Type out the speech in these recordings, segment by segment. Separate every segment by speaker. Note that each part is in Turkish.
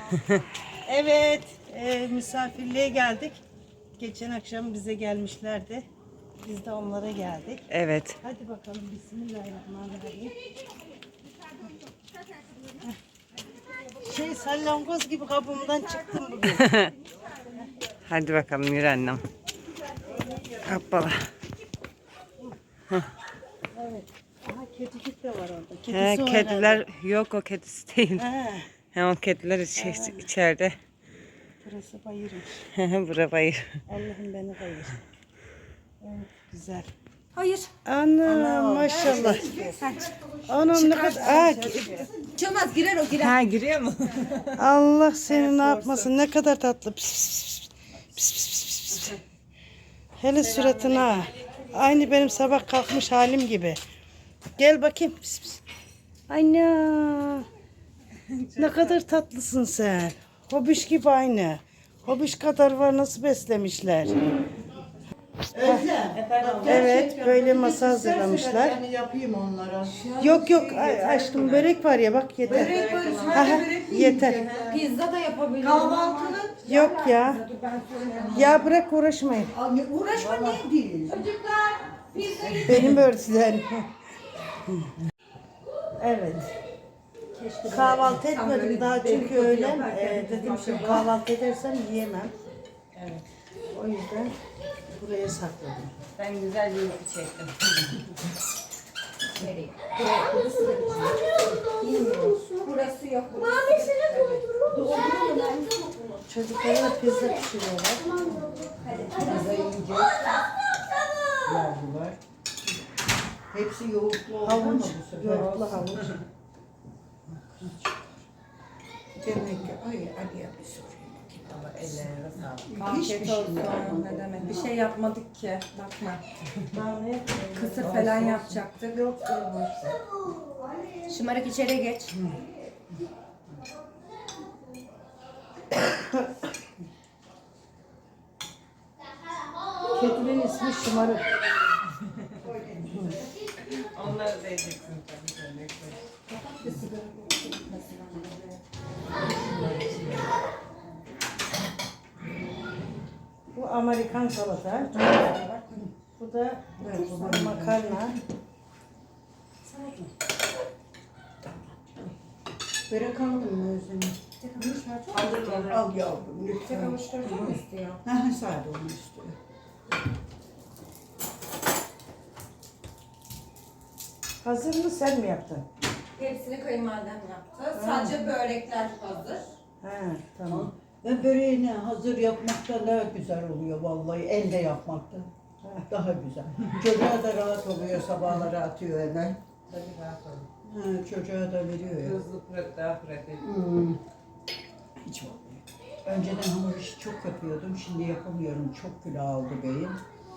Speaker 1: Evet, misafirliğe geldik. Geçen akşam bize gelmişlerdi. Biz de onlara geldik.
Speaker 2: Evet.
Speaker 1: Hadi bakalım, bismillahirrahmanirrahim. Salyangoz gibi kabımdan çıktım bugün.
Speaker 2: Hadi bakalım yürü annem. Hoppala.
Speaker 1: Evet. Aha, kedicik de var orada.
Speaker 2: He,
Speaker 1: Kedisi o
Speaker 2: kediler yok, o kedisi değil.
Speaker 1: herhalde. He,
Speaker 2: He, o kediler içeride.
Speaker 1: burası bayırmış.
Speaker 2: Bura bayır.
Speaker 1: Allah'ım beni bayır. Evet, güzel.
Speaker 3: Hayır.
Speaker 1: Ana maşallah. Anam ne kadar.
Speaker 3: Çılmaz girer o girer.
Speaker 2: Ha, giriyor mu?
Speaker 1: Allah seni ne yapmasın, ne kadar tatlı. Pis, pis, pis, pis, pis, pis, pis. Hele suratına. Aynı benim sabah kalkmış halim gibi. Gel bakayım. Pis, pis. Anne. Ne kadar tatlısın sen. Hobiş gibi aynı. Hobiş kadar var, nasıl beslemişler. Evet, böyle masa hazırlamışlar.
Speaker 4: Yani yapayım onlara.
Speaker 1: Yok yok aşkım, börek var ya, bak yeter.
Speaker 3: Börek var,
Speaker 1: Aha,
Speaker 3: sadece börek mi
Speaker 1: yeter.
Speaker 3: Pizza da yapabilirim.
Speaker 4: Kahvaltının
Speaker 1: Yok ya. Ya bırak, uğraşmayın.
Speaker 4: uğraşma ne değil.
Speaker 3: Çocuklar pizzayı
Speaker 1: Benim örtülerim. Evet. Kahvaltı etmedim daha çünkü öğlen. Dedim şimdi kahvaltı edersem yiyemem. Evet. O yüzden buraya sakladım.
Speaker 2: Ben güzel bir çektim.
Speaker 3: burası yok.
Speaker 1: Çocuklara da pizza pişiriyorlar.
Speaker 4: Pizza yiyecek. Yavrular. Hepsi yoğurtlu oldu ama
Speaker 1: Havuç,
Speaker 4: bu sefer.
Speaker 1: yoğurtlu havuç.
Speaker 4: Demek ki ay Ali'ye bir sorayım.
Speaker 2: Allah ellerine sağlık.
Speaker 3: Afiyet olsun. Ne demek? Bir şey yapmadık ki. Bakma.
Speaker 1: Daha ne yapayım?
Speaker 3: Kısır falan yapacaktık.
Speaker 1: Yok.
Speaker 3: Şımarık içeri geç.
Speaker 1: Kedinin ismi Şımarık.
Speaker 2: Onları da yiyeceksin tabii.
Speaker 1: Bu Amerikan salata. Bu da makarna.
Speaker 4: Börek aldın mı Özlem'e? Al yavrum lütfen.
Speaker 3: Kavuşturma mı istiyor?
Speaker 4: Ha sade onu istiyor.
Speaker 1: Hazır mı, sen mi yaptın?
Speaker 3: Hepsini kayınvalidem yaptı. Sadece börekler hazır.
Speaker 1: He, tamam.
Speaker 4: Ben böreğini hazır yapmaktan daha güzel oluyor vallahi. Elde yapmaktan. Daha güzel. Çocuğa da rahat oluyor, sabahları atıyor hemen.
Speaker 2: Tabii rahat olun.
Speaker 4: Ha, çocuğa da veriyor ya.
Speaker 2: Hızlı daha pratik.
Speaker 4: Hiç olmuyor. Önceden hamur işi çok yapıyordum. Şimdi yapamıyorum. Çok kilo aldı beyim.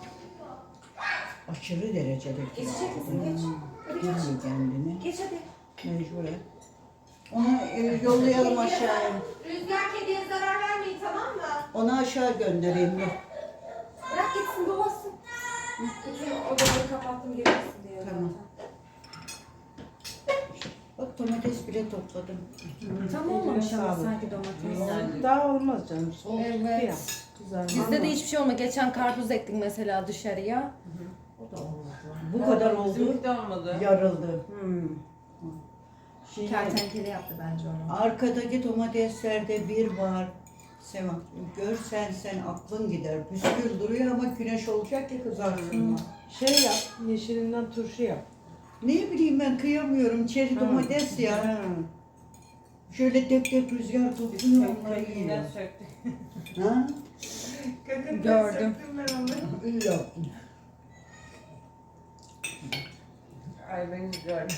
Speaker 4: Aşırı derecede kilo
Speaker 3: Geçecek misin?
Speaker 4: aldı.
Speaker 3: Geç. Hadi geç.
Speaker 4: Bilmiyor kendini.
Speaker 3: Geç hadi.
Speaker 4: Mecburen. Onu yollayalım aşağıya.
Speaker 3: Rüzgar kediye zarar vermeyin, tamam mı?
Speaker 4: Onu aşağı göndereyim. Dur.
Speaker 3: Bırak gitsin, dolasın. Bütün odaları kapattım girmesin diye.
Speaker 4: Tamam. Bak domates bile topladım.
Speaker 3: Tam olmamış ama
Speaker 1: Sağ olun.
Speaker 3: sanki domates.
Speaker 1: Daha olmaz canım. Soğuk
Speaker 3: Evet.
Speaker 1: ya. Güzel.
Speaker 3: Bizde de hiçbir şey olmadı. Geçen karpuz ektik mesela dışarıya.
Speaker 4: Bu kadar oldu.
Speaker 2: Bizimki de olmadı.
Speaker 4: Yarıldı. Şimdi
Speaker 3: Kertenkele yaptı bence onu.
Speaker 4: arkadaki domateslerde bir var. Sevan, görsen sen aklın gider. Püskül duruyor ama güneş olacak ya kızarsın.
Speaker 1: Şey yap, yeşilinden turşu yap.
Speaker 4: Ne bileyim ben kıyamıyorum. Çeri domates ya.
Speaker 1: Ha.
Speaker 4: Şöyle tek tek rüzgar topluyor onları yiyor.
Speaker 2: Kökünden söktüm.
Speaker 4: Ha?
Speaker 2: Kökünden
Speaker 3: Gördüm.
Speaker 2: söktüm ben onu.
Speaker 4: İyi yaptın.
Speaker 2: Ay beni gördüm.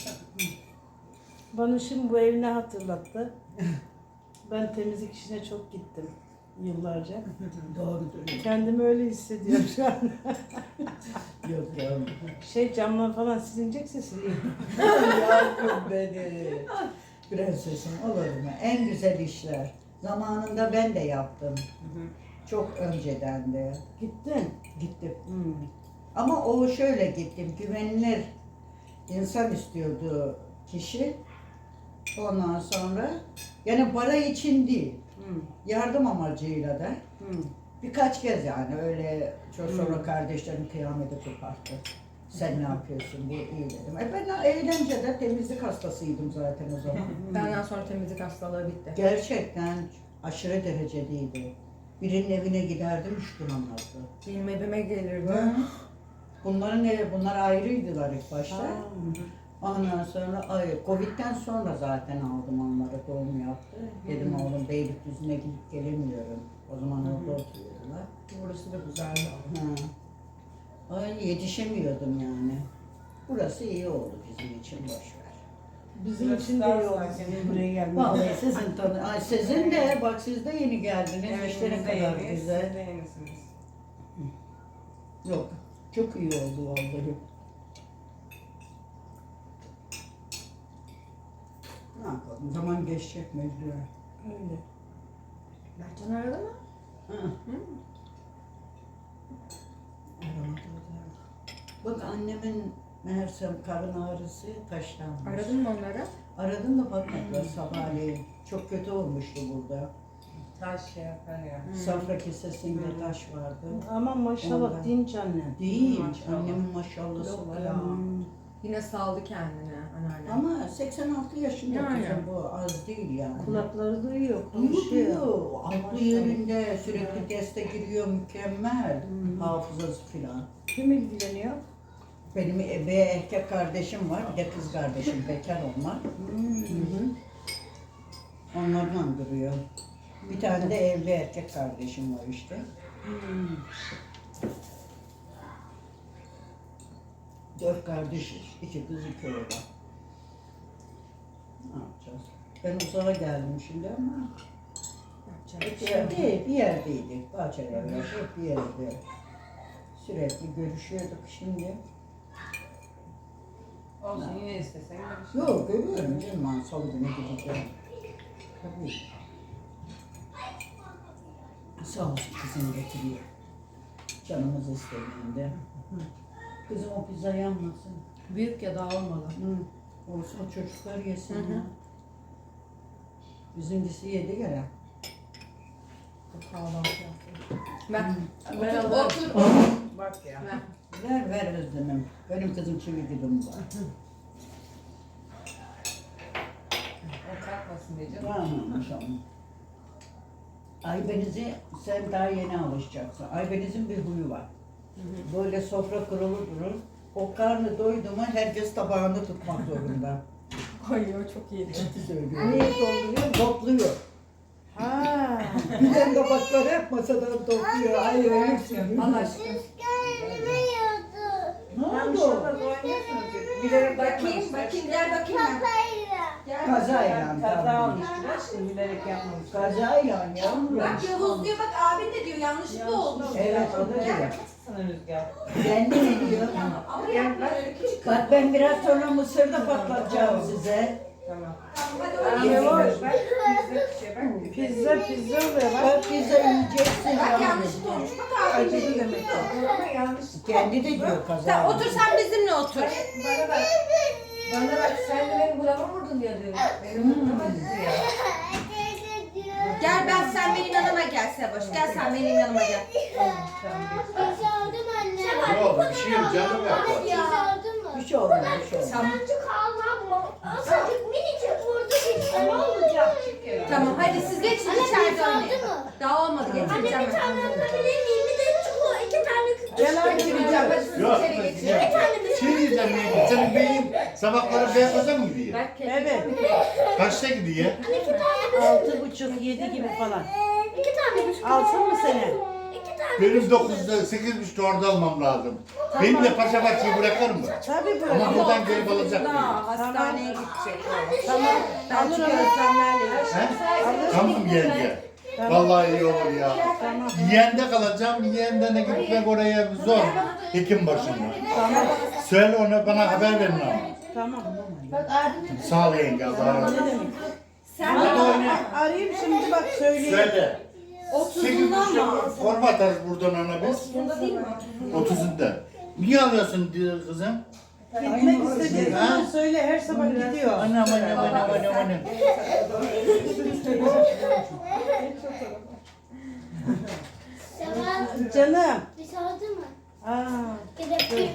Speaker 1: Bana şimdi bu ev ne hatırlattı? Ben temizlik işine çok gittim yıllarca.
Speaker 4: Doğrudur.
Speaker 1: Kendimi öyle hissediyorum şu an.
Speaker 4: Yok yavrum.
Speaker 1: Camlar falan silinecekse sileyim.
Speaker 4: Yavrum beni. Prensesim olur mu? En güzel işler. Zamanında ben de yaptım. Çok önceden de.
Speaker 1: Gittin.
Speaker 4: Gittim.
Speaker 1: Hmm.
Speaker 4: Ama o şöyle gittim. Güvenilir insan istiyordu kişi. Ondan sonra yani para için değil,
Speaker 2: Hı.
Speaker 4: yardım amacıyla da
Speaker 2: Hı.
Speaker 4: birkaç kez yani öyle çok sonra kardeşlerim kıyameti koparttı. Sen ne yapıyorsun diye iyi dedim. Ben eğlencede temizlik hastasıydım zaten o zaman.
Speaker 3: Benden sonra temizlik hastalığı bitti.
Speaker 4: Gerçekten aşırı derecedeydi. Birinin evine giderdim üç gün olmazdı.
Speaker 3: Benim evime gelirdi.
Speaker 4: Bunların evi, bunlar ayrıydılar ilk başta. Ondan sonra, Covid'den sonra zaten aldım onları, doğum yaptı. Dedim oğlum Beylikdüzü'ne gidip gelemiyorum. O zaman orada oturuyordular.
Speaker 3: Burası da güzeldi.
Speaker 4: Ay yetişemiyordum yani. Burası iyi oldu bizim için, boş ver.
Speaker 1: Bizim için de iyi oldu senin buraya gelmen.
Speaker 4: Vallahi sizin ay sizin de bak siz de yeni geldiniz.
Speaker 2: Evet,
Speaker 4: İşte ne
Speaker 2: biz de
Speaker 4: kadar
Speaker 2: yeniyiz,
Speaker 4: güzel.
Speaker 2: siz de yenisiniz.
Speaker 4: Yok, çok iyi oldu vallahi. Ne yapalım, zaman geçecek mecburen.
Speaker 1: Öyle.
Speaker 3: Mertcan aradı mı?
Speaker 4: Hı. Bak annemin meğersem karın ağrısı taşlanmış.
Speaker 3: Aradın mı onları?
Speaker 4: Aradım da bakmadılar sabahleyin. Çok kötü olmuştu burada.
Speaker 2: Taş şey yapar ya.
Speaker 4: Safra kesesinde taş vardı.
Speaker 1: Ama maşallah
Speaker 4: Ondan.
Speaker 1: dinç anne.
Speaker 4: Değil,
Speaker 2: Maşallah.
Speaker 4: annemin maşallahı
Speaker 3: Yok
Speaker 4: var
Speaker 3: ya.
Speaker 4: ama.
Speaker 3: Yine saldı kendini anneanne.
Speaker 4: Ama 86 yaşında
Speaker 3: Yani.
Speaker 4: kızım bu az değil yani.
Speaker 1: Kulakları duyuyor,
Speaker 4: Duyuyor,
Speaker 1: konuşuyor.
Speaker 4: duyuyor. Aklı yerinde sürekli teste giriyor, mükemmel. Hafızası filan.
Speaker 1: Kim ilgileniyor?
Speaker 4: Benim bir erkek kardeşim var, bir de kız kardeşim, bekar onlar. Onlarla duruyor. Bir tane de evli erkek kardeşim var işte. Dört kardeşiz, iki kız, iki oğlan. Ne yapacağız? Ben uzağa geldim şimdi ama
Speaker 3: Yapacak
Speaker 4: bir yerdeydik, bahçelerde, hep bir yerde. Sürekli görüşüyorduk şimdi.
Speaker 2: Olsun yine istesen görüşürüz.
Speaker 4: Yok, görüyorum canım, ben salı günü gideceğim. Tabii. Sağ olsun kızım getiriyor. Canımız istediğinde. Kızım o pizza yanmasın.
Speaker 3: Büyük ya dağılmalı.
Speaker 4: Olsun o çocuklar yesin
Speaker 3: Hı hı.
Speaker 4: ya. Bizimkisi yedi gene.
Speaker 3: Kahvaltı yaptım. Ben
Speaker 2: Ben
Speaker 3: otur,
Speaker 2: alırım.
Speaker 3: otur.
Speaker 2: Bak ya.
Speaker 3: Ben.
Speaker 4: Ver Özlem'im. Benim kızım çivi dilim var.
Speaker 2: O kalkmasın diye canım.
Speaker 4: Tamam tamam. Aybeniz'i sen daha yeni alışacaksın. Aybeniz'in bir huyu var. Böyle sofra kurulu durur. O karnı doydu mu herkes tabağını tutmak zorunda.
Speaker 3: Ay o çok iyiydi.
Speaker 4: Ciddi söylüyorum.
Speaker 1: Niye dolduruyor?
Speaker 4: Topluyor.
Speaker 1: Ha.
Speaker 4: Giden tabakları hep masadan topluyor. Ay ölürsün.
Speaker 3: Allah aşkına.
Speaker 4: Ne oldu?
Speaker 2: Yanlışlıkla oynuyorsunuz. Bilerek
Speaker 3: Bakayım, bakayım, gel bakayım ben. Gel.
Speaker 4: Kazayla.
Speaker 2: Kaza
Speaker 4: tabii.
Speaker 2: olmuş biraz. Şimdi bilerek yapmamış.
Speaker 4: Kazayla yavrum.
Speaker 3: Bak Yavuz diyor, bak abin de diyor, yanlışlıkla oldu.
Speaker 4: Evet o da diyor.
Speaker 2: Sana Rüzgar.
Speaker 4: Kendi ne diyor?
Speaker 3: Ama yapma öyle küçük.
Speaker 4: Bak ben biraz sonra mısır da patlatacağım size.
Speaker 2: Tamam.
Speaker 3: Hadi
Speaker 2: Ben
Speaker 3: oynayalım.
Speaker 2: yemiyorum. Bak pizza şey bak.
Speaker 1: Pizza oluyor bak.
Speaker 4: Bak pizza yiyeceksin
Speaker 3: Bak
Speaker 4: yavrum.
Speaker 3: yanlışlıkla olmuş. Bak abin de
Speaker 1: Acıdı
Speaker 3: diyor.
Speaker 1: demek ki.
Speaker 2: Ama yanlış.
Speaker 4: Kendi de diyor kaza.
Speaker 3: Sen otur, sen bizimle otur.
Speaker 2: Bana bak. Bana bak sen de benim burama vurdun ya diyor. Benim burama diyor.
Speaker 3: Gel sen benim yanıma gel Seboş. Gel sen benim yanıma gel.
Speaker 5: Ne oldu? Bir şey yok canım yaptı.
Speaker 4: Bir şey olmaz, bir şey olmaz.
Speaker 3: Tamam hadi siz geçin içeride oynayın. Daha olmadı, getireceğim ben.
Speaker 1: Gel anne.
Speaker 3: Getireceğim, hadi siz
Speaker 5: Yok.
Speaker 3: içeri geçin.
Speaker 5: Şey diyeceğim ya. Senin beyin sabahları beyaza mı gidiyor?
Speaker 3: Bak,
Speaker 1: Evet.
Speaker 5: Kaçta gidiyor?
Speaker 1: 6.30-7 gibi falan. Alsın mı seni?
Speaker 5: Benim 9'da 8.30'da orada almam lazım. Beni de Paşa Bahçe'yi bırakır mı?
Speaker 1: Tabii bırak.
Speaker 5: Ama buradan gelip alacak mıyım?
Speaker 3: Daha hastaneye gidecek.
Speaker 1: Tamam.
Speaker 3: Ben
Speaker 1: Alır
Speaker 3: çünkü
Speaker 1: onu.
Speaker 3: Özlemlerle
Speaker 5: He? Tamam yenge. Vallahi iyi olur ya.
Speaker 1: Tamam.
Speaker 5: Yeğende kalacağım. Yeğendene gitmek oraya zor. Hekim başında.
Speaker 1: Tamam.
Speaker 5: Söyle ona bana haber verin ama.
Speaker 1: Tamam.
Speaker 5: Sağ ol yenge. Allah'a emanet.
Speaker 1: Ne demek?
Speaker 3: Sen
Speaker 5: Hadi oyna.
Speaker 1: Arayayım şimdi bak söyleyeyim.
Speaker 5: Söyle. 8.30'da forma atarız buradan ona biz.
Speaker 3: 30'unda değil mi?
Speaker 5: 30'unda. Niye alıyorsun diyor kızım?
Speaker 1: Gitmek istediğin zaman söyle, her sabah gidiyor.
Speaker 5: Anam anam anam anam anam.
Speaker 6: Seval
Speaker 1: Canım.
Speaker 6: bir sardı mı?
Speaker 1: Aa,
Speaker 6: Gidelim.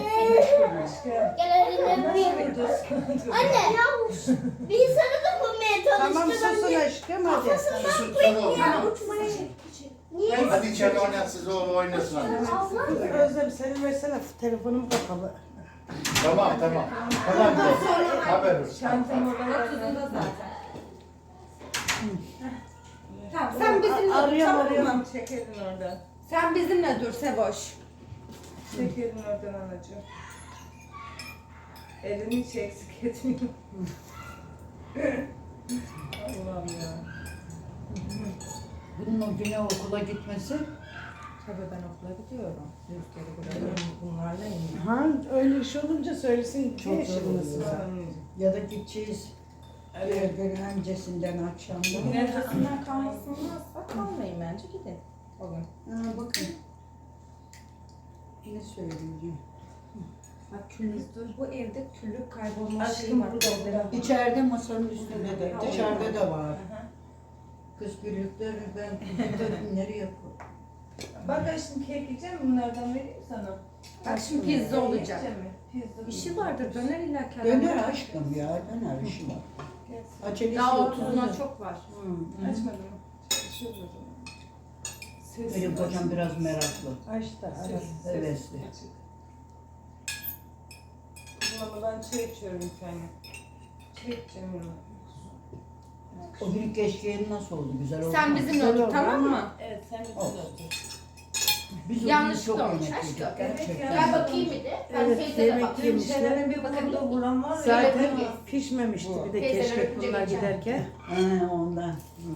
Speaker 6: Gel elimden bir. Anne. Bir sarı da bulmaya
Speaker 1: tamam
Speaker 6: çalıştım.
Speaker 1: susun aşkım hadi.
Speaker 5: Susun tamam.
Speaker 6: Ya uçmaya. Niye?
Speaker 5: Hadi içeride oynayın siz o oynasın hadi.
Speaker 1: Özlem senin versene telefonum kapalı.
Speaker 5: Tamam tamam. Tamam de. Haber olsun.
Speaker 2: Çantam orada zaten.
Speaker 3: Tamam sen bizimle dur
Speaker 1: Arıyorum,
Speaker 3: tamam
Speaker 1: arıyorum.
Speaker 3: mı?
Speaker 2: Çekelim oradan.
Speaker 3: Sen bizimle dur Seboş.
Speaker 2: Çekelim oradan anacığım. Elini hiç eksik etmiyor. Allah'ım ya.
Speaker 4: Bunun o güne okula gitmesi
Speaker 2: Tabii ben okula gidiyorum. Rüzgarı bırakıyorum. Bunlarla iyiyim.
Speaker 1: Ha öyle iş olunca söylesin.
Speaker 4: Çok
Speaker 1: Ne
Speaker 4: zor
Speaker 1: yaşındasın
Speaker 4: oluyor.
Speaker 1: sen?
Speaker 4: ya da gideceğiz gün öncesinden akşamda.
Speaker 2: Bugün ertesinden kalmasındansa kalmayın bence gidin. O gün.
Speaker 4: Bakın. Ne söyleyeceğim?
Speaker 3: Bak küllük dur. Bu evde küllük kaybolma şeyi
Speaker 2: Aşkım
Speaker 3: var.
Speaker 2: burada.
Speaker 4: İçeride masanın üstünde de, dışarıda da var.
Speaker 2: Aha.
Speaker 4: Kız güllükleri ben nereye yapıyorum?
Speaker 2: Bak ben şimdi kek yiyeceğim bunlardan vereyim sana.
Speaker 3: Bak şimdi pizza olacak.
Speaker 2: Yiyecek mi? Pizza.
Speaker 3: İşi vardır döner illa ki.
Speaker 4: Döner aşkım ya, döner işi var. Acelesi
Speaker 3: Daha
Speaker 4: yok.
Speaker 3: otuzuna çok var.
Speaker 2: Açmadım mı? Çalışıyoruz o zaman. Ses
Speaker 4: Benim kocam biraz meraklı.
Speaker 1: Aç da ara.
Speaker 4: Hevesli.
Speaker 2: Ama ben çay içiyorum bir tane. Çay içeceğim yanına.
Speaker 4: O gün keşkeğin nasıl oldu? Güzel oldu
Speaker 3: Sen
Speaker 4: mu?
Speaker 3: bizimle
Speaker 1: Güzel
Speaker 3: otur
Speaker 1: oldu
Speaker 3: tamam
Speaker 1: ama-
Speaker 3: mı?
Speaker 2: Evet sen bir
Speaker 4: Olsun. Biz o gün
Speaker 3: Yanlışlıkla
Speaker 4: çok
Speaker 3: olmuş
Speaker 4: yemek
Speaker 3: aşkım.
Speaker 4: yedik. Gerçekten.
Speaker 3: Gel bakayım bir de. Ben
Speaker 1: Evet,
Speaker 3: teyze de
Speaker 1: yemek
Speaker 3: bakayım.
Speaker 1: yemişler.
Speaker 2: Şeylerin bir burada vuran var ya.
Speaker 1: Zaten pişmemişti bir de
Speaker 3: Teyzeler
Speaker 1: keşke
Speaker 3: önce
Speaker 1: bunlar
Speaker 3: geçer.
Speaker 1: giderken.
Speaker 4: Ondan.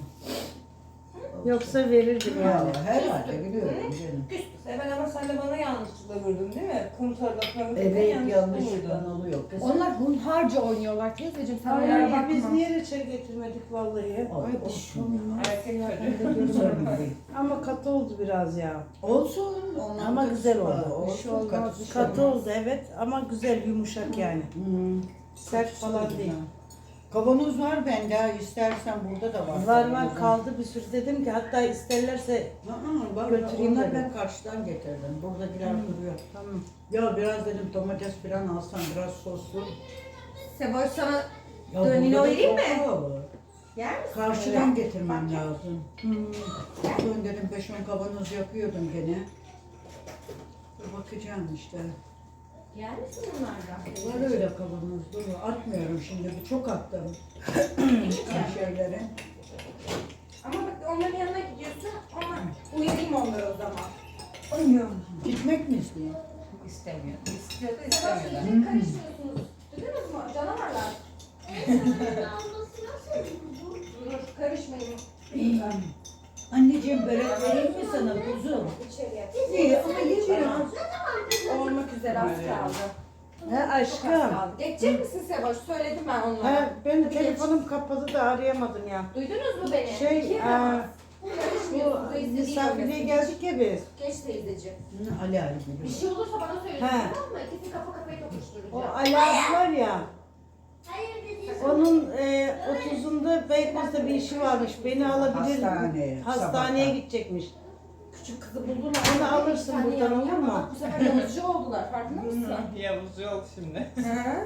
Speaker 1: Yoksa verirdim yani.
Speaker 4: Ya, herhalde biliyorum canım.
Speaker 2: Ben ama sen de bana yanlışlıkla vurdun değil mi? Komutarda falan.
Speaker 4: Evet
Speaker 2: yanlışlıkla
Speaker 4: yanlışlıkla
Speaker 2: vurdun.
Speaker 4: oluyor kız.
Speaker 3: Onlar hunharca oynuyorlar teyzeciğim. Sen onlara
Speaker 1: Ay,
Speaker 3: bakma.
Speaker 1: biz niye reçel getirmedik vallahi?
Speaker 4: Ay,
Speaker 1: Ay
Speaker 4: olsun.
Speaker 2: Erkek çocuğu.
Speaker 4: Sorun değil.
Speaker 1: ama katı oldu biraz ya.
Speaker 4: Olsun. Ondan
Speaker 1: Ama
Speaker 4: da
Speaker 1: güzel
Speaker 4: var.
Speaker 1: oldu.
Speaker 3: Bir şey
Speaker 4: Olsun,
Speaker 3: olmaz,
Speaker 4: katısı
Speaker 3: bir şey
Speaker 1: Katı oldu evet ama güzel yumuşak yani. Sert
Speaker 4: Katısı
Speaker 1: falan
Speaker 4: da
Speaker 1: değil.
Speaker 4: güzel. Kavanoz var bende. İstersen burada da var.
Speaker 1: Var
Speaker 4: kavanozun.
Speaker 1: kaldı bir sürü dedim ki hatta isterlerse
Speaker 4: Var,
Speaker 1: Götüreyim
Speaker 4: onları
Speaker 1: dedim.
Speaker 4: ben karşıdan getirdim. Buradakiler duruyor.
Speaker 1: tamam.
Speaker 4: Ya biraz dedim domates falan alsam biraz soslu.
Speaker 3: Seboş sana
Speaker 4: Ya
Speaker 3: Dönüne
Speaker 4: burada da
Speaker 3: oynayayım
Speaker 4: çok
Speaker 3: mı?
Speaker 4: havalı.
Speaker 3: yer misin?
Speaker 4: Karşıdan getirmem lazım. Ben dedim 5-10 kavanoz yapıyordum gene. Dur bakacağım işte.
Speaker 3: Yer misin bunlardan?
Speaker 4: Var öyle kavanoz dolu. Atmıyorum şimdi. Çok attım. Şeyleri.
Speaker 3: Ama bak onların yanına gidiyorsun ama uyarayım onları o zaman.
Speaker 4: Gitmek mi istiyor?
Speaker 2: İstemiyor. İstiyor da
Speaker 3: Seboş
Speaker 2: istemiyor. da.
Speaker 3: iyice karışmıyorsunuz. Duydunuz mu? Canavarlar.
Speaker 6: Alması nasıl?
Speaker 3: Dur karışmayın.
Speaker 4: Anneciğim börek vereyim mi sana kuzum?
Speaker 3: İçeriye.
Speaker 4: İyi ama ye biraz.
Speaker 3: Olmak üzere az kaldı.
Speaker 1: He
Speaker 3: Çok az
Speaker 1: aşkım.
Speaker 3: kaldı. Geçecek misin Seboş? Söyledim ben onlara.
Speaker 1: He, benim telefonum kapalı da arayamadım ya.
Speaker 3: Duydunuz mu beni?
Speaker 1: Şey,
Speaker 3: Karışmıyorsunuz.
Speaker 1: bu
Speaker 3: da istediğin
Speaker 1: misafirliğe
Speaker 3: olmasın.
Speaker 1: geldik ya biz.
Speaker 3: Geç teyzeciğim.
Speaker 4: Ali Ali
Speaker 3: Bir
Speaker 4: biliyor.
Speaker 3: şey olursa bana söyleyin
Speaker 1: He.
Speaker 3: tamam mı? İkisi kafa kafaya
Speaker 1: O
Speaker 3: tokuşturacağım.
Speaker 1: Ali abi var ya,
Speaker 6: Hayır dedi.
Speaker 1: onun 30'unda Beykoz'da bir işi varmış. Beni alabilir
Speaker 4: Hastaneye,
Speaker 1: Hastaneye
Speaker 4: sabahtan.
Speaker 1: gidecekmiş.
Speaker 3: Küçük kızı buldular.
Speaker 1: Onu alırsın
Speaker 3: Bir tane
Speaker 1: buradan, olur
Speaker 3: yavru
Speaker 1: mu?
Speaker 3: ama Bu sefer yavuzcu oldular. Farkında mısın?
Speaker 2: Yavuz yok şimdi.
Speaker 3: Hı.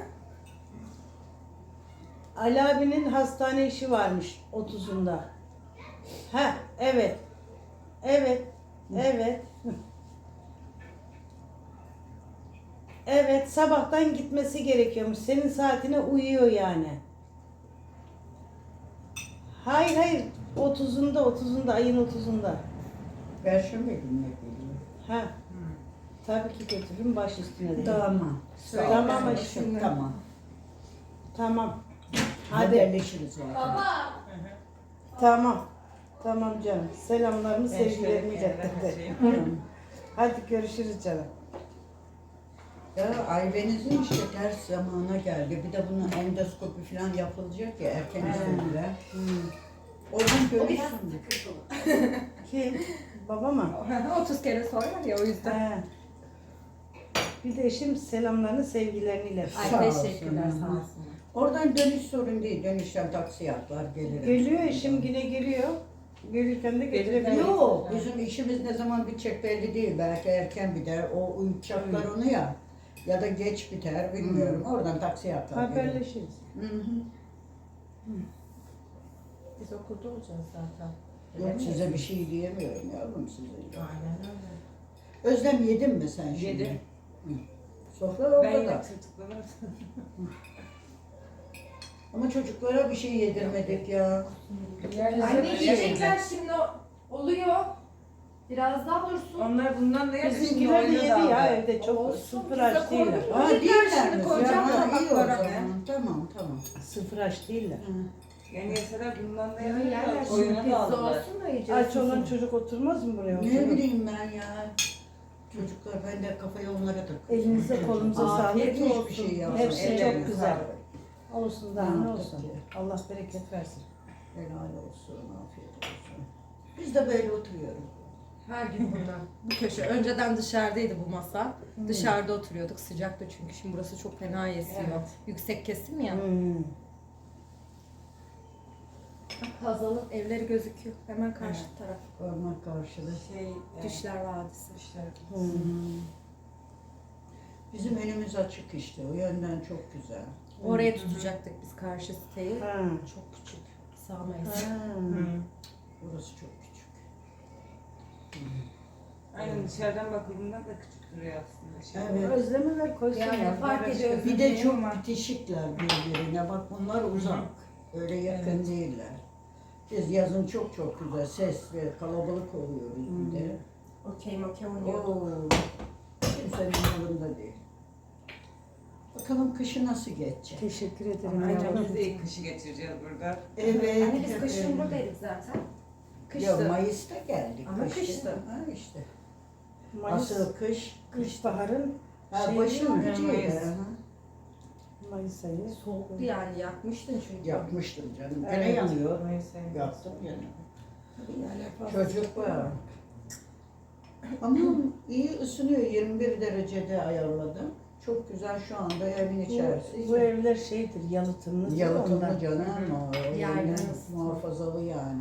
Speaker 1: Ali abinin hastane işi varmış 30'unda. Ha, evet. Evet. Evet. Evet, sabahtan gitmesi gerekiyormuş. Senin saatine uyuyor yani. Hayır, 30'unda, ayın 30'unda.
Speaker 4: Perşembe gününe geliyor.
Speaker 1: Ha. Tabii ki götürürüm baş üstüne de.
Speaker 4: Tamam.
Speaker 3: Söyle.
Speaker 1: Tamam
Speaker 3: Söyle.
Speaker 1: aşkım.
Speaker 4: Tamam.
Speaker 1: Tamam. Hadi.
Speaker 4: Haberleşiriz zaten.
Speaker 6: Baba.
Speaker 1: Tamam. Tamam canım. Selamlarımı, sevgilerimi iletti. Hadi görüşürüz canım.
Speaker 4: Ya Aybeniz'in işte ters zamana geldi. Bir de bunun endoskopi falan yapılacak ya erken istediler. Oradan görürsün.
Speaker 1: Kim? Baba mı?
Speaker 3: 30 kere sorar ya o yüzden.
Speaker 1: He. Bir de eşim selamlarını sevgilerini iletir.
Speaker 2: Ay
Speaker 4: Sağ
Speaker 2: teşekkürler
Speaker 4: olsun.
Speaker 2: sağ olsunlar.
Speaker 4: Oradan dönüş sorun değil. Dönüşten taksi atlar gelirim.
Speaker 1: Geliyor eşim yine geliyor. Gelirken de getirebiliyor.
Speaker 4: Yok, bizim işimiz ne zaman bitecek belli değil. Belki erken biter. O uçaklar onu ya. Ya da geç biter bilmiyorum. Oradan taksiye atlar gelirim.
Speaker 1: Haberleşiriz.
Speaker 4: Hı hı.
Speaker 2: Biz okulda olacağız zaten.
Speaker 4: Yok size bir şey diyemiyorum yavrum size.
Speaker 2: Aynen öyle.
Speaker 4: Özlem yedin mi sen şimdi?
Speaker 2: Yedim.
Speaker 4: Hı. Sofra orada
Speaker 2: Ben yine
Speaker 4: da.
Speaker 2: tırtıkladım.
Speaker 4: Ama çocuklara bir şey yedirmedik ya.
Speaker 3: Anne yiyecekler şimdi oluyor. Biraz daha dursun.
Speaker 2: Onlar bundan da yemiş.
Speaker 1: Bizimkiler de yedi ya evde çok sıfır aç değiller.
Speaker 4: Ha
Speaker 3: Yiyecekler
Speaker 4: değiller
Speaker 3: şimdi,
Speaker 4: mi?
Speaker 3: koyacağım
Speaker 4: Ya, iyi o
Speaker 3: tabaklara.
Speaker 4: zaman. Tamam tamam.
Speaker 1: Sıfır aç değiller.
Speaker 4: Hı.
Speaker 2: Yani yeseler bundan da
Speaker 3: Yerler
Speaker 2: yemişler.
Speaker 3: şimdi
Speaker 2: Oyuna
Speaker 3: pizza
Speaker 2: daldılar.
Speaker 3: olsun da yiyeceğiz.
Speaker 1: Aç olan çocuk oturmaz mı buraya?
Speaker 4: Ne
Speaker 1: Oturur.
Speaker 4: bileyim ben ya. Çocuklar ben de kafayı onlara takıyorum.
Speaker 1: Elinize kolunuza sağlık.
Speaker 4: Afiyet hiçbir şey yapmam.
Speaker 1: Hepsi çok
Speaker 2: Ellerine
Speaker 1: güzel.
Speaker 2: sağlık.
Speaker 1: Olsun daha ne olsun. Allah bereket versin.
Speaker 4: Helal olsun, afiyet olsun. Biz de böyle oturuyoruz.
Speaker 2: Her gün bundan. Bu köşe. Önceden dışarıdaydı bu masa. Dışarıda oturuyorduk. Sıcaktı çünkü. Şimdi burası çok fena esiyor.
Speaker 1: Evet.
Speaker 2: Yüksek kesim ya.
Speaker 1: Hmm.
Speaker 2: Hazal'ın evleri gözüküyor. Hemen karşı taraf.
Speaker 4: Parmak karşılığı.
Speaker 2: Düşler Vadisi.
Speaker 1: Hmm.
Speaker 4: Bizim önümüz açık işte, o yönden çok güzel.
Speaker 2: Oraya tutacaktık biz karşı siteyi.
Speaker 1: Ha.
Speaker 2: Çok küçük. Sağmayız.
Speaker 1: Ha.
Speaker 4: Burası çok küçük.
Speaker 7: Aynen dışarıdan bakıldığında da küçük duruyor aslında.
Speaker 4: Evet.
Speaker 1: Özlemi ver koysun
Speaker 2: Yani
Speaker 1: ya.
Speaker 2: fark ediyor.
Speaker 4: Bir de çok bitişikler birbirine. Bak bunlar uzak. Öyle yakın değiller. Biz yazın çok çok güzel sesli, kalabalık oluyoruz bir de.
Speaker 2: Okey oynuyorduk.
Speaker 4: Oo, kimsenin yanında değil. Bakalım kışı nasıl geçecek?
Speaker 1: Teşekkür ederim.
Speaker 7: Aynen
Speaker 1: yavrum.
Speaker 7: biz de ilk kışı geçireceğiz burada.
Speaker 4: Evet.
Speaker 2: Anne biz kışın buradaydık zaten.
Speaker 4: Ya
Speaker 2: Kıştı.
Speaker 4: Mayıs'ta geldik.
Speaker 2: Ama
Speaker 4: kışta.
Speaker 2: kıştı.
Speaker 4: Ha işte.
Speaker 1: Mayıs,
Speaker 4: Asıl kış.
Speaker 1: baharın
Speaker 4: Ha,
Speaker 1: şey
Speaker 4: başın
Speaker 1: değil mi?
Speaker 4: gücüydü.
Speaker 7: Mayıs.
Speaker 4: ha.
Speaker 1: Mayıs ayı.
Speaker 2: Soğuktu yani yakmıştın çünkü.
Speaker 4: Yapmıştım canım. Gene
Speaker 1: Evet.
Speaker 4: yanıyor.
Speaker 7: Mayıs ayı.
Speaker 4: Yaptım gene.
Speaker 2: Yani
Speaker 4: Çocuk var. Ama iyi ısınıyor. 21 derecede ayarladım. Çok güzel şu anda evin içerisi.
Speaker 1: Bu evler şeydir, yalıtımlı.
Speaker 4: Yalıtımlı
Speaker 1: ondan.
Speaker 4: canım o.
Speaker 2: Yerden
Speaker 4: Yani
Speaker 2: ısıtma.
Speaker 4: muhafazalı yani.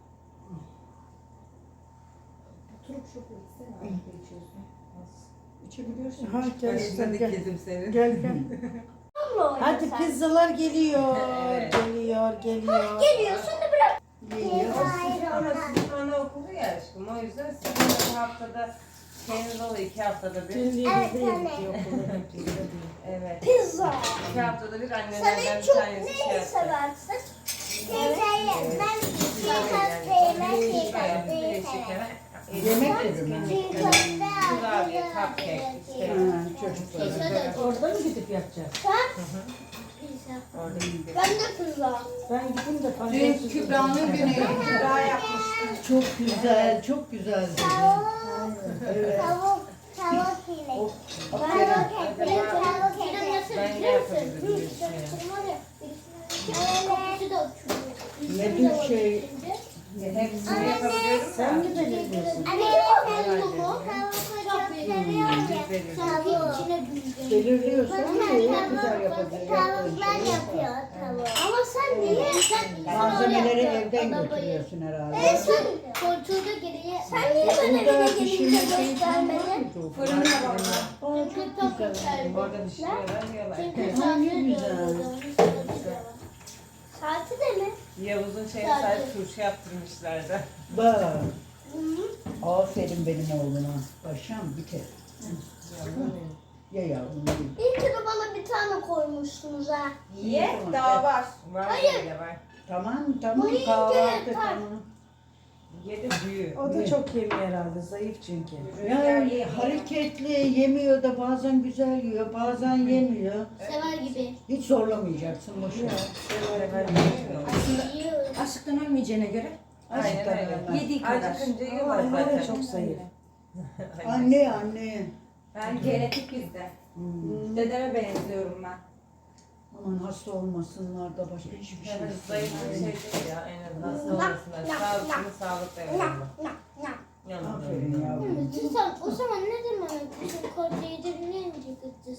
Speaker 2: Oturup şu içsene abi içiyorsun.
Speaker 4: İçebiliyorsun.
Speaker 1: Ha, gel,
Speaker 7: Başına
Speaker 1: gel, gel.
Speaker 7: dikildim seni.
Speaker 1: Gel gel. Hadi pizzalar geliyor.
Speaker 7: Evet.
Speaker 1: Geliyor, geliyor.
Speaker 6: Geliyor şimdi bırak.
Speaker 7: Ama sizin anaokulu ya aşkım. O yüzden sizin bir haftada şeyiniz oluyor. 2 haftada bir.
Speaker 1: Dün diye
Speaker 6: Evet,
Speaker 1: biz de
Speaker 6: anne.
Speaker 1: yedik okulda pizza diye.
Speaker 7: Evet.
Speaker 6: Pizza.
Speaker 7: 2 haftada bir
Speaker 6: Sen
Speaker 7: annelerden
Speaker 6: en
Speaker 7: bir
Speaker 6: çok
Speaker 7: tanesi şey
Speaker 6: neyi
Speaker 7: yaptı.
Speaker 6: seversin? Teyzeyi. Ben çiğ köfteyi. Ben çiğ köfteyi severim.
Speaker 4: Yemek dedim.
Speaker 6: Çiğ köfte.
Speaker 7: Kurabiye, cupcake, işte.
Speaker 4: Ha, çocuklar.
Speaker 1: Orada mı gidip yapacağız?
Speaker 6: Pizza.
Speaker 7: Orada gidiyor.
Speaker 6: Ben de pizza.
Speaker 1: Ben gideyim de
Speaker 4: Dün
Speaker 1: pancarısız.
Speaker 4: Kübra'nın günü.
Speaker 2: Kübra yapmıştı.
Speaker 4: Çok güzel, çok güzel. Evet.
Speaker 6: Tavuk ile.
Speaker 4: Aferin.
Speaker 6: Tavuk ile. Tavuk ile.
Speaker 7: Ben de yapabilirim bir şey.
Speaker 6: Kokusu da uçuyor.
Speaker 4: Ne tür şey?
Speaker 7: Hepsini yapabiliyorum
Speaker 1: Sen
Speaker 7: da.
Speaker 1: mi belirliyorsun?
Speaker 6: Anne sen bu mu? Çok seviyorum ya. Tavuk içine büyüdüm.
Speaker 4: Belirliyorsun ama iyi güzel
Speaker 6: Tavuklar
Speaker 4: yapabilir.
Speaker 6: yapıyor tavuk. Ama sen niye? Sen
Speaker 4: Malzemeleri evden götürüyorsun herhalde.
Speaker 6: Sen koltuğu da geriye. Sen niye bana
Speaker 4: Burada
Speaker 6: eve
Speaker 4: pişirme
Speaker 6: gelince
Speaker 4: şeyi
Speaker 6: göstermedin?
Speaker 2: Fırında var.
Speaker 6: Çünkü çok güzel.
Speaker 7: Orada pişiriyorlar, yiyorlar.
Speaker 6: Çünkü
Speaker 4: Ha, ne
Speaker 6: saati
Speaker 4: güzel.
Speaker 6: Saati de mi?
Speaker 7: Yavuz'un şeyine sahip turşu yaptırmışlardı.
Speaker 4: Bak. Aferin benim oğluma. Paşam bir kere. Ye yavrum ye.
Speaker 6: İyi ki de bana bir tane koymuşsunuz ha.
Speaker 2: Ye daha var.
Speaker 7: Var öyle var.
Speaker 4: Tamam tamam
Speaker 6: Bu
Speaker 4: kahvaltı
Speaker 6: iyice
Speaker 4: tamam.
Speaker 7: Yedi büyü.
Speaker 1: O da çok yemiyor herhalde, zayıf çünkü.
Speaker 4: Yani hareketli yemiyor da bazen güzel yiyor bazen yemiyor.
Speaker 6: Sever gibi.
Speaker 4: Hiç zorlamayacaksın boşuna.
Speaker 2: Aslında
Speaker 6: Yiyor.
Speaker 2: açlıktan ölmeyeceğine göre
Speaker 7: Aynen öyle.
Speaker 2: yediği kadar.
Speaker 7: Acıkınca yiyorlar
Speaker 1: Anne de
Speaker 7: zaten.
Speaker 1: çok zayıf.
Speaker 4: Anne anne.
Speaker 2: Ben genetik bizde. Dedeme benziyorum ben.
Speaker 4: Aman hasta olmasınlar da başka hiçbir şey
Speaker 7: Evet,
Speaker 4: yok.
Speaker 7: zayıf bir şey değil ya. En azından hasta olmasınlar. Sağlıklı sağlıklı evlenme.
Speaker 4: Aferin yavrum.
Speaker 6: Sen o zaman ne zaman bizim koca yediğini yemeyecek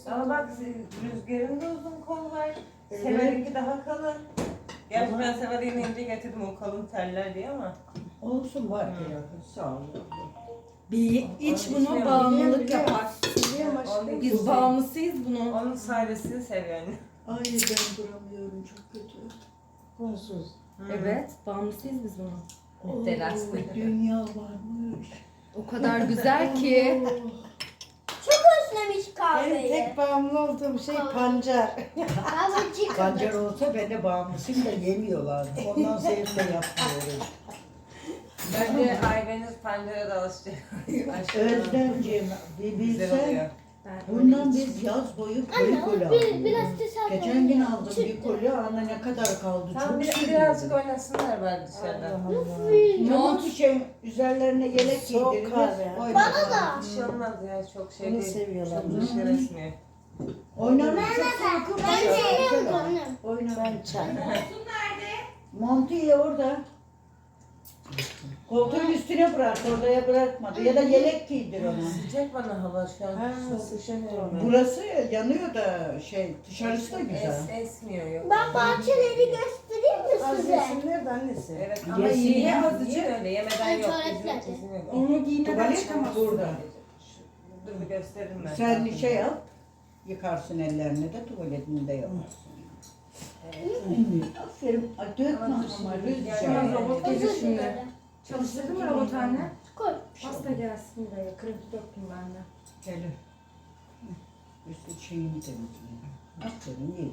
Speaker 7: Ama bak Rüzgar'ın da uzun kol var. Sever'inki daha kalın. Gerçi ben Sever'e inince getirdim o kalın teller diye ama.
Speaker 4: Olsun var ya. Sağ ol.
Speaker 2: Bir iç bunu
Speaker 7: Biliyorum,
Speaker 2: bağımlılık yapar.
Speaker 7: Onun,
Speaker 2: Biz bağımlısıyız bunun.
Speaker 7: onun sayesinde seviyor anne.
Speaker 4: Ay ben duramıyorum çok kötü. Konsuz.
Speaker 2: Evet, bağımlısıyız biz bunun.
Speaker 4: Oo,
Speaker 2: Telaşlı.
Speaker 4: dünya varmış.
Speaker 2: O kadar güzel ki.
Speaker 6: Çok özlemiş
Speaker 1: Benim
Speaker 6: kahveyi.
Speaker 1: tek bağımlı olduğum şey pancar.
Speaker 6: Babacık.
Speaker 4: Pancar olsa ben de bağımlısıyım da yemiyorlar. Ondan sevip de yapmıyorum.
Speaker 7: Bence aileniz pancara da alışacak.
Speaker 4: Özlemciğim bir
Speaker 7: Güzel
Speaker 4: bilsen
Speaker 7: oluyor.
Speaker 4: bundan biz yaz boyu koli koli alıyoruz.
Speaker 6: Biraz tesadüf.
Speaker 4: Geçen gün aldım bir koli ana ne kadar kaldı
Speaker 7: Tamam
Speaker 4: çok
Speaker 7: birazcık
Speaker 4: seviyorum.
Speaker 7: oynasınlar bari dışarıda.
Speaker 4: Tamam bir şey üzerlerine yelek
Speaker 1: Soğuk
Speaker 4: giydiririz.
Speaker 1: kahve.
Speaker 6: Bana da.
Speaker 7: Bir şey olmaz ya çok şey
Speaker 1: Bunu
Speaker 7: değil.
Speaker 1: seviyorlar.
Speaker 7: Çok dışarı esmiyor.
Speaker 4: Oynarız çok soğuk
Speaker 6: Ben seviyorum
Speaker 4: ama.
Speaker 6: canım.
Speaker 4: Oynar.
Speaker 1: Ben çay.
Speaker 4: Montuyu orada. Koltuğun üstüne bırak, odaya bırakmadı. Ya da yelek giydir ona.
Speaker 7: Sıcak bana hava şu an.
Speaker 1: Ha,
Speaker 7: Soğuk üşeniyorum.
Speaker 4: Burası yanıyor da dışarısı da güzel.
Speaker 7: Esmiyor yok.
Speaker 6: Ben bahçeleri göstereyim mi
Speaker 1: Az
Speaker 6: size?
Speaker 1: yesinler de annesi.
Speaker 7: Evet ama
Speaker 4: Yesin
Speaker 7: yiye
Speaker 4: ya.
Speaker 7: azıcık öyle yemeden yok.
Speaker 6: Tuvaletlerde.
Speaker 7: Kesin yok.
Speaker 2: Onu giymeden
Speaker 4: Tuvalet
Speaker 2: çıkamaz.
Speaker 4: burada.
Speaker 7: Dur bir gösteririm ben.
Speaker 4: Sen şey yap, yıkarsın ellerini de tuvaletini de yaparsın. Aferin. Ay, dökme ama
Speaker 7: Gerçekten
Speaker 4: Rüzgar.
Speaker 2: robot gelir şimdi.
Speaker 6: Böyle.
Speaker 2: Çalıştırdın mı robot anne?
Speaker 6: Koy.
Speaker 2: Hasta gelsin buraya. Kredi döktüm ben de.
Speaker 4: Gelir. Üstü şeyini temizleyin. Aferin iyi.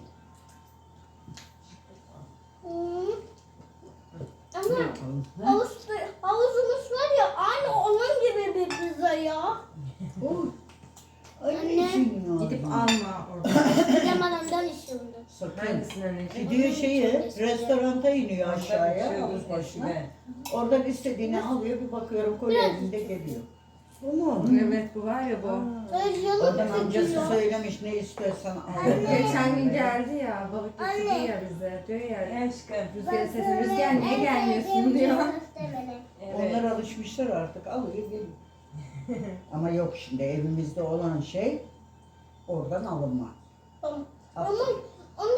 Speaker 6: Hmm. Ama
Speaker 4: Yapalım. Ha?
Speaker 6: havuzumuz var ya aynı onun gibi bir pizza ya.
Speaker 4: Oy. Ay
Speaker 6: Anne.
Speaker 4: ne için ya?
Speaker 2: Gidip alma orada.
Speaker 6: Bilemeden işiyorum.
Speaker 4: Sakın.
Speaker 7: Hangisini anneciğim?
Speaker 4: Gidiyor restoranta iniyor
Speaker 7: Orada
Speaker 4: aşağıya
Speaker 7: bir şey
Speaker 4: havuz
Speaker 7: olur
Speaker 4: başına.
Speaker 7: eskiden.
Speaker 4: Oradan istediğini alıyor bir bakıyorum kolye elinde geliyor.
Speaker 1: Bu mu?
Speaker 2: Evet bu var ya bu.
Speaker 4: Oradan
Speaker 6: Canım
Speaker 4: amcası
Speaker 6: çekiyor.
Speaker 4: söylemiş ne istiyorsan al.
Speaker 2: Geçen gün geldi ya balık getirdi
Speaker 6: Anne.
Speaker 2: ya bize. Diyor ya
Speaker 7: Aşkım.
Speaker 2: Rüzgar'a sesini Rüzgar niye gelmiyorsun diyor.
Speaker 7: Evet.
Speaker 4: Onlar alışmışlar artık alıyor geliyor. Ama yok şimdi evimizde olan şey oradan alınma.
Speaker 6: Ama onda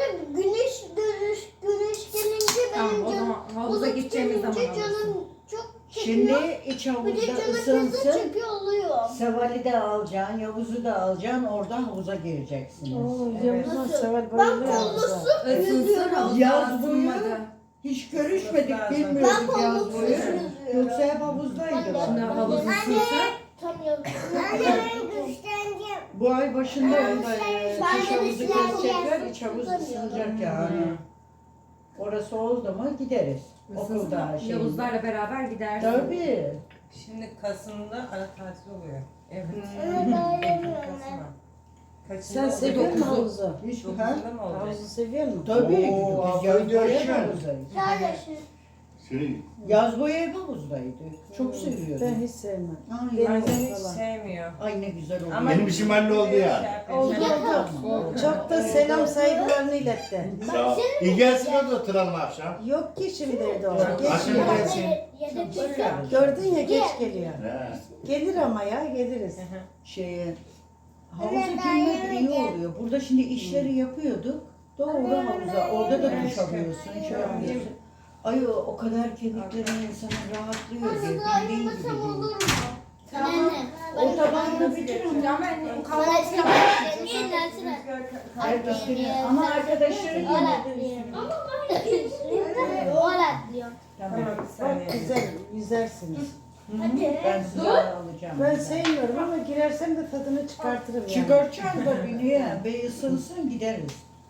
Speaker 6: güneş gelince
Speaker 2: Tamam
Speaker 6: benim
Speaker 2: o
Speaker 6: canım
Speaker 2: zaman havuza gideceğimiz zaman
Speaker 6: gelince
Speaker 2: alırsın.
Speaker 6: canım çok
Speaker 4: Şimdi
Speaker 6: çekiyor.
Speaker 4: iç
Speaker 6: Bir de
Speaker 4: havuzda
Speaker 6: canım pizza
Speaker 4: ısınsın.
Speaker 6: çekiyor oluyor.
Speaker 4: Seval'i de alacaksın, Yavuz'u da alacaksın, oradan havuza gireceksiniz.
Speaker 1: Oo, Yavuz'un
Speaker 6: Nasıl?
Speaker 1: sever
Speaker 6: Ben
Speaker 1: bayılıyor havuza.
Speaker 6: kollusu
Speaker 2: Isınsın
Speaker 6: yüzüyorum.
Speaker 2: havuzda
Speaker 4: Yaz boyu
Speaker 2: ısınmadı.
Speaker 4: hiç görüşmedik,
Speaker 6: Ben
Speaker 4: bilmiyorduk yaz
Speaker 6: kolluksuz
Speaker 4: boyu.
Speaker 6: yüzüyorum.
Speaker 4: Yoksa hep havuzdaydı.
Speaker 2: Şimdi havuz ısınsa
Speaker 6: Tanıyorum. Anne güçleneceğim.
Speaker 4: Bu ay başında onda
Speaker 6: Ben
Speaker 4: kış
Speaker 6: de
Speaker 4: havuzu
Speaker 6: Müslüman
Speaker 4: kesecekler,
Speaker 6: gelsin,
Speaker 4: iç havuz
Speaker 6: tutamıyorum.
Speaker 4: ısınacak yani. Orası oldu mu gideriz. Okulda şey.
Speaker 2: Yavuzlarla beraber gidersin.
Speaker 4: Tabii.
Speaker 7: Şimdi Kasım'da ara tatil oluyor. Evet.
Speaker 6: Ama ben yemiyorum.
Speaker 7: Kasım'a. Kaçında
Speaker 1: Sen
Speaker 7: oluyor?
Speaker 1: seviyor musun
Speaker 2: Dokuzu.
Speaker 1: havuzu?
Speaker 4: Hiç ha?
Speaker 7: 9'unda mı olacak?
Speaker 1: Havuzu seviyor musun?
Speaker 4: Tabii.
Speaker 5: Oo,
Speaker 4: Biz yaz
Speaker 5: video
Speaker 4: boyu hep
Speaker 5: açıyor.
Speaker 4: havuzdayız.
Speaker 6: Kardeşim.
Speaker 5: Şey,
Speaker 4: Yaz boyu hep havuzdaydık. Çok
Speaker 1: Ben
Speaker 4: seviyordum.
Speaker 1: hiç sevmem.
Speaker 4: Ay,
Speaker 7: Annem
Speaker 1: Deniz
Speaker 7: hiç
Speaker 1: falan.
Speaker 7: sevmiyor.
Speaker 4: ay ne güzel oldu.
Speaker 7: Ama
Speaker 5: Benim işim halloldu ya.
Speaker 1: Oldu
Speaker 4: Oldu.
Speaker 1: Çok da selam saygılarını iletti.
Speaker 5: Sağ ol. İyi gelsin o da oturalım akşam.
Speaker 1: Yok ki şimdi evde o.
Speaker 5: Akşam
Speaker 1: Geç geliyor.
Speaker 5: gelsin.
Speaker 6: Yedek pizza.
Speaker 1: Gördün ya geç geliyor.
Speaker 5: He.
Speaker 1: Gelir ama ya geliriz.
Speaker 4: Şeye, havuza girmek iyi oluyor. Burada şimdi işleri yapıyorduk. Doğru havuza. Orada da duş alıyorsun, şey yapıyorsun. Ay o kadar kemiklerin insanı rahatlıyor diye. Bildiğin gibi
Speaker 6: Ayırmasam
Speaker 4: değil.
Speaker 6: olur mu? Anne.
Speaker 4: O tabağını bitirin.
Speaker 2: Ya ben
Speaker 6: Bana
Speaker 2: kahvaltı
Speaker 6: sen yersene.
Speaker 4: Her üstüne. Ama arkadaşları yemedi.
Speaker 6: Ama ben o atlıyor.
Speaker 4: Tamam.
Speaker 7: Tamam bir
Speaker 1: Bak
Speaker 7: saniye.
Speaker 1: güzel yüzersiniz.
Speaker 6: Hadi.
Speaker 4: Ben size alacağım.
Speaker 1: Ben sevmiyorum ama girersem de tadını çıkartırım yani.
Speaker 4: Çıkartacağım tabii niye? Bir ısınsın gideriz.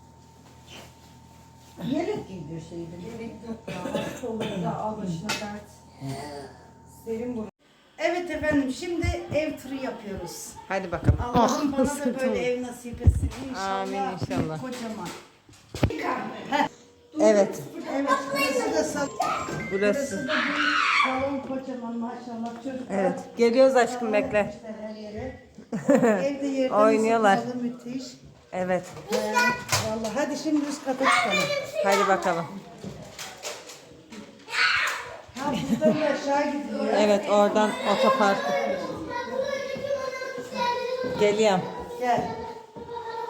Speaker 4: Yelek giydirseydin.
Speaker 2: al başına dert. Serin bu.
Speaker 1: Evet efendim şimdi ev turu yapıyoruz.
Speaker 7: Hadi bakalım.
Speaker 1: Allah'ım bana da böyle ev nasip etsin. İnşallah.
Speaker 7: Amin, inşallah.
Speaker 1: Kocaman.
Speaker 7: Evet.
Speaker 1: Evet burası da salon.
Speaker 7: Burası.
Speaker 1: Burası da bir salon kocaman maşallah çocuklar.
Speaker 7: Evet. Geliyoruz aşkım bekle.
Speaker 1: Her yere. Evde yerden
Speaker 7: Oynuyorlar.
Speaker 1: ısıtmalı, müthiş.
Speaker 7: Evet.
Speaker 1: Vallahi hadi şimdi üst kata çıkalım.
Speaker 7: Hadi bakalım.
Speaker 1: Ha buradan da aşağı gidiyor.
Speaker 7: Evet oradan otopark. Geliyorum.
Speaker 1: Gel.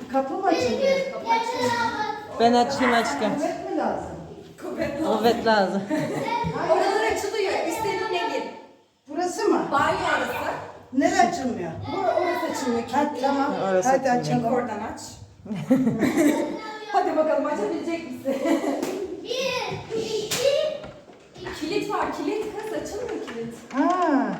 Speaker 1: Kapı mı açılıyor?
Speaker 7: Ben açayım aşkım.
Speaker 1: Kuvvet mi lazım?
Speaker 7: Kuvvet lazım.
Speaker 2: Oralar açılıyor. İstediğine gir.
Speaker 1: Burası mı?
Speaker 2: Banyo orası.
Speaker 1: Nere açılmıyor?
Speaker 2: Orası açılıyor.
Speaker 1: Ha tamam.
Speaker 7: Orası
Speaker 1: Hadi
Speaker 7: açılıyor.
Speaker 1: açalım.
Speaker 2: Oradan aç. Hadi bakalım açabilecek misin? Kilit var. Kilit kız açılmıyor kilit.
Speaker 1: Ha.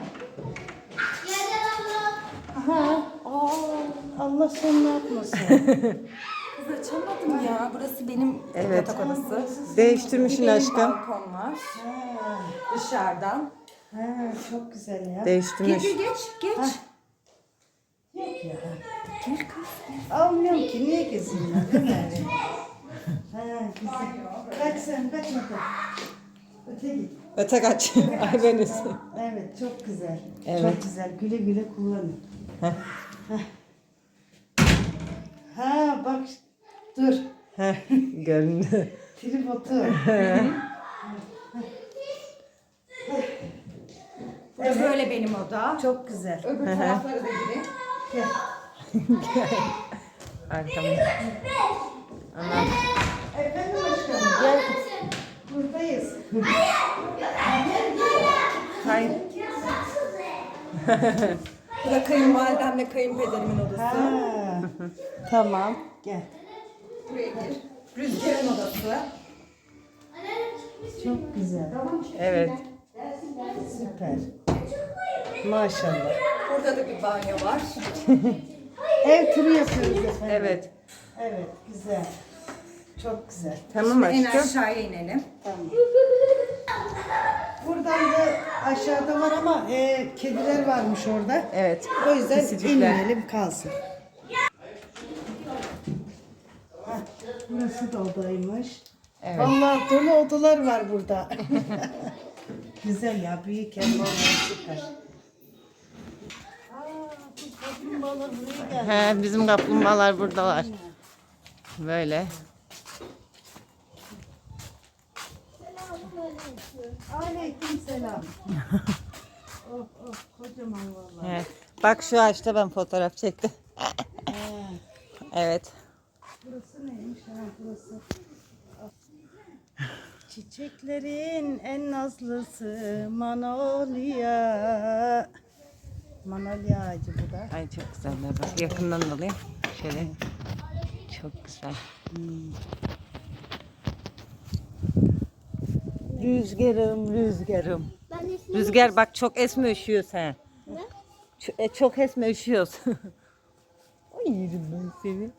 Speaker 1: Aha. Allah sen ne yapmasın?
Speaker 2: Kız açamadım ya. Burası benim yatak odası.
Speaker 7: Değiştirmişsin
Speaker 2: Benim
Speaker 7: aşkım.
Speaker 2: balkon var.
Speaker 1: Ha.
Speaker 2: Dışarıdan.
Speaker 1: Ha, çok güzel ya.
Speaker 7: Değiştirmiş.
Speaker 2: Geç.
Speaker 1: Yok ya. Almıyorum ki niye gezeyim ben değil mi? Ha, güzel. Kaç sen kaç bakalım. Öte git.
Speaker 7: Öte kaç. Ay ben
Speaker 1: Evet çok güzel.
Speaker 7: Evet.
Speaker 1: Çok güzel. Güle güle kullanın.
Speaker 7: Heh.
Speaker 1: Heh. Ha bak dur.
Speaker 7: Göründü.
Speaker 1: Tripodu.
Speaker 2: Böyle benim oda.
Speaker 1: Çok güzel.
Speaker 2: Öbür tarafları da girin.
Speaker 1: Gel.
Speaker 7: Arkamda. Anam.
Speaker 1: Efendim aşkım. Gel. Buradayız.
Speaker 7: Hayır.
Speaker 2: Bu da kayınvalidemle kayınpederimin odası.
Speaker 1: Ha. Tamam. Gel.
Speaker 2: Buraya gir. Rüzgar'ın odası.
Speaker 1: Çok güzel.
Speaker 7: Evet.
Speaker 1: Süper. Maşallah.
Speaker 2: Burada da bir banyo var.
Speaker 1: Ev turu yapıyoruz efendim.
Speaker 7: Evet.
Speaker 1: Evet güzel. Çok güzel.
Speaker 7: Tamam
Speaker 2: En
Speaker 7: aşkım.
Speaker 2: aşağıya inelim.
Speaker 1: Tamam. Buradan da aşağıda var ama kediler varmış orada.
Speaker 7: Evet.
Speaker 1: O yüzden
Speaker 7: Pisicikler.
Speaker 1: inmeyelim kalsın. Heh, burası da odaymış.
Speaker 7: Evet.
Speaker 1: Vallahi dolu odalar var burada. Güzel ya büyük ev vallahi süper. Aa, bu kaplumbağalar buraya geldi.
Speaker 7: He, bizim kaplumbağalar buradalar. Böyle.
Speaker 1: Aleyküm selam. Oh oh kocaman vallahi.
Speaker 7: Evet. Bak şu ağaçta ben fotoğraf çektim. Evet.
Speaker 1: Burası neymiş ha burası? Çiçeklerin en nazlısı Manolya. Manolya ağacı bu da.
Speaker 7: Ay çok güzeller. Bak yakından alayım. Şöyle. Çok güzel. Rüzgarım, rüzgarım. Rüzgar bak çok esme üşüyor sen. Çok esme üşüyorsun. Ay yerim ben seni.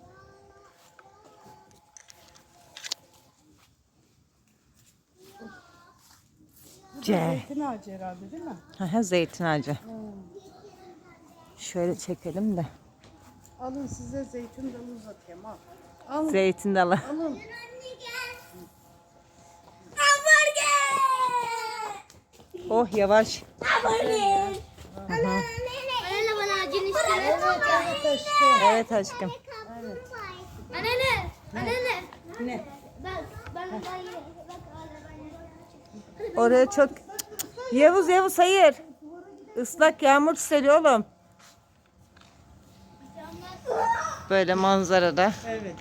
Speaker 1: Zeytin ağacı herhalde değil mi?
Speaker 7: Aha, zeytin ağacı. Şöyle çekelim de.
Speaker 1: Alın size zeytin dalı uzatayım al. Alın
Speaker 7: Zeytin dalı.
Speaker 1: alın.
Speaker 7: Oh yavaş.
Speaker 6: Anne bana acın istedim.
Speaker 1: Evet aşkım.
Speaker 7: Evet aşkım.
Speaker 6: Anne.
Speaker 1: Ne?
Speaker 6: Ben
Speaker 7: Oraya çok... Yavuz hayır. Islak yağmur seriyor oğlum. Böyle manzarada.
Speaker 1: Evet.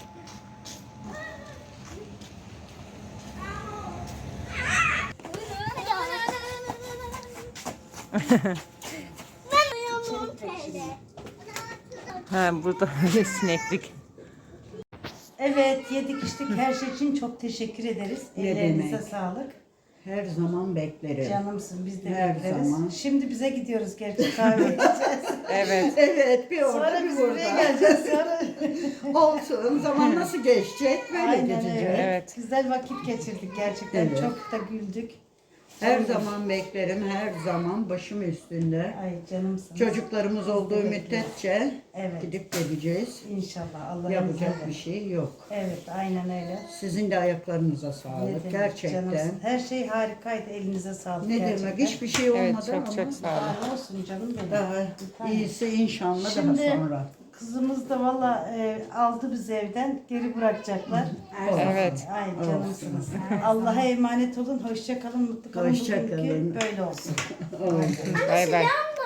Speaker 7: Ha burada böyle sineklik.
Speaker 1: Evet yedik içtik her şey için çok teşekkür ederiz.
Speaker 4: Ne
Speaker 1: Ellerinize
Speaker 4: demek?
Speaker 1: sağlık.
Speaker 4: Her zaman beklerim.
Speaker 1: Canımsın biz de
Speaker 4: Her
Speaker 1: bekleriz.
Speaker 4: zaman.
Speaker 1: Şimdi bize gidiyoruz gerçi kahve içeceğiz.
Speaker 7: Evet.
Speaker 4: Evet, bir orada
Speaker 1: Sonra
Speaker 4: bir
Speaker 1: biz buraya
Speaker 4: burada.
Speaker 1: geleceğiz sonra.
Speaker 4: Olsun, zaman nasıl geçecek böyle
Speaker 1: Aynen
Speaker 4: geçecek.
Speaker 1: öyle.
Speaker 7: Evet.
Speaker 1: Güzel vakit geçirdik gerçekten.
Speaker 4: Evet.
Speaker 1: Çok da güldük.
Speaker 4: Her zaman beklerim, her zaman başım üstünde.
Speaker 1: Ay canımsın.
Speaker 4: Çocuklarımız olduğu müddetçe
Speaker 1: Evet.
Speaker 4: gidip geleceğiz.
Speaker 1: İnşallah Allah
Speaker 4: Yapacak
Speaker 1: izniyle.
Speaker 4: bir şey yok.
Speaker 1: Evet aynen öyle.
Speaker 4: Sizin de ayaklarınıza
Speaker 1: Ne
Speaker 4: sağlık.
Speaker 1: demek,
Speaker 4: Gerçekten.
Speaker 1: canımsın. Her şey harikaydı. Elinize sağlık.
Speaker 4: Ne
Speaker 1: gerçekten.
Speaker 4: demek, hiçbir şey olmadı
Speaker 7: Evet çok
Speaker 4: ama
Speaker 7: çok sağ olun.
Speaker 1: Daha ne olsun canım benim.
Speaker 4: daha iyisi inşallah
Speaker 1: Şimdi
Speaker 4: daha sonra.
Speaker 1: kızımız da valla aldı bizi evden. Geri bırakacaklar.
Speaker 7: Evet.
Speaker 1: Ay canımsınız. Allah'a emanet olun. Hoşça kalın. Mutlu kalın.
Speaker 4: Hoşça
Speaker 1: Bugünkü
Speaker 4: kalın.
Speaker 1: böyle olsun.
Speaker 7: Bay bay.